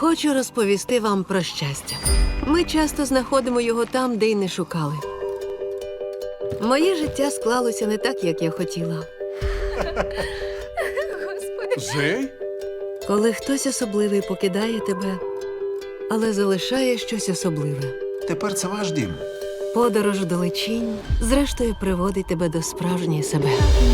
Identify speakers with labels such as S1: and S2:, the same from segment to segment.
S1: Хочу розповісти вам про щастя. Ми часто знаходимо його там, де й не шукали. Моє життя склалося не так, як я хотіла.
S2: Зей?
S1: Коли хтось особливий покидає тебе, але залишає щось особливе.
S2: Тепер це ваш дім.
S1: Подорож вдалечінь, зрештою, приводить тебе до справжньої себе.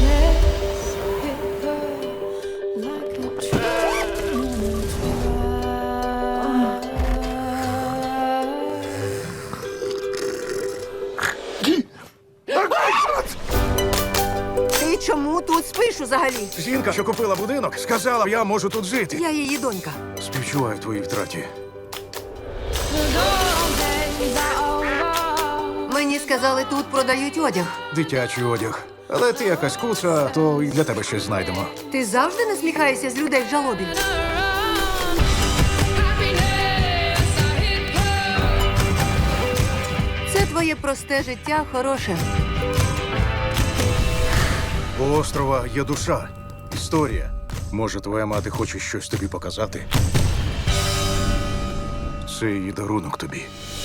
S3: Ти чому тут спиш взагалі?
S2: Жінка, що купила будинок, сказала, я можу тут жити.
S3: Я її донька.
S2: Співчуваю твоїй втраті.
S3: Мені сказали, тут продають одяг.
S2: Дитячий одяг. Але ти якась куца, то і для тебе щось знайдемо.
S3: Ти завжди насміхаєшся з людей в жалобі? Це твоє просте життя хороше.
S2: У острова є душа, історія. Може, твоя мати хоче щось тобі показати? Це її дарунок тобі.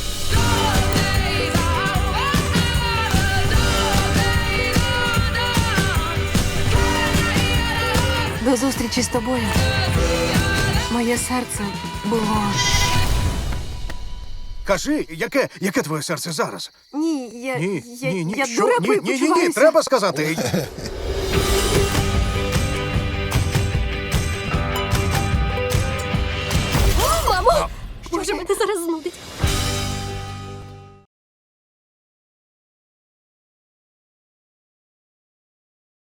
S3: До зустрічі з тобою. Моє серце було...
S2: Кажи, яке твоє серце зараз?
S3: Ні,
S2: Ні,
S3: я
S2: ні, ні,
S3: я
S2: що?
S3: дурепою
S2: Ні,
S3: почуваюся.
S2: треба сказати.